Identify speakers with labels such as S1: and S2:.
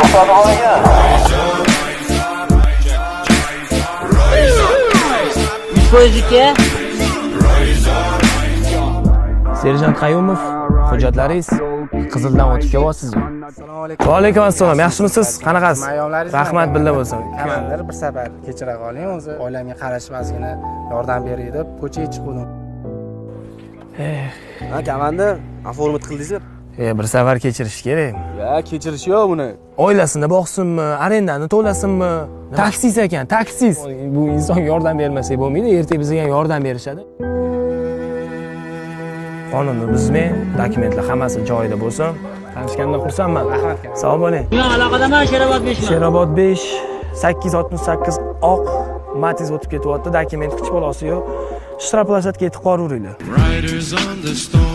S1: Poyezga
S2: Serjant Qayumov, hujjatlaringiz Qizildan o'tib kelyapsizmi?
S3: Assalomu alaykum.
S2: Va alaykum assalom. Yaxshimisiz? Qanaqasiz?
S3: Mayonlaringiz
S2: Rahmat billa bo'lsin.
S3: Komandir bir safar kechira qoling, o'zi oilamga qarashmasgina yordam beray deb ko'chaga chiqdim.
S4: Ha, komandir, aformat qildingizmi?
S2: Bir safar kechirish kerak.
S4: Ya, kechirish yo'q buni.
S2: Oilasini boqsinmi, arendani to'lasinmi? Taksis ekan, taksis. Bu insonga yordam bermasak bo'lmaydi, ertaga bizga ham yordam berishadi. Qonunni buzmang, dokumentlar hammasi joyida bo'lsin. Tanishgandan xursandman.
S3: Rahmat.
S2: Sog' bo'ling.
S1: men aloqadaman Sherobod 5
S2: Sherobod 5 868 oq Matiz o'tib ketyapti, dokument hech bolasi yo'q. Shtraplashatga yetib qoraveringlar.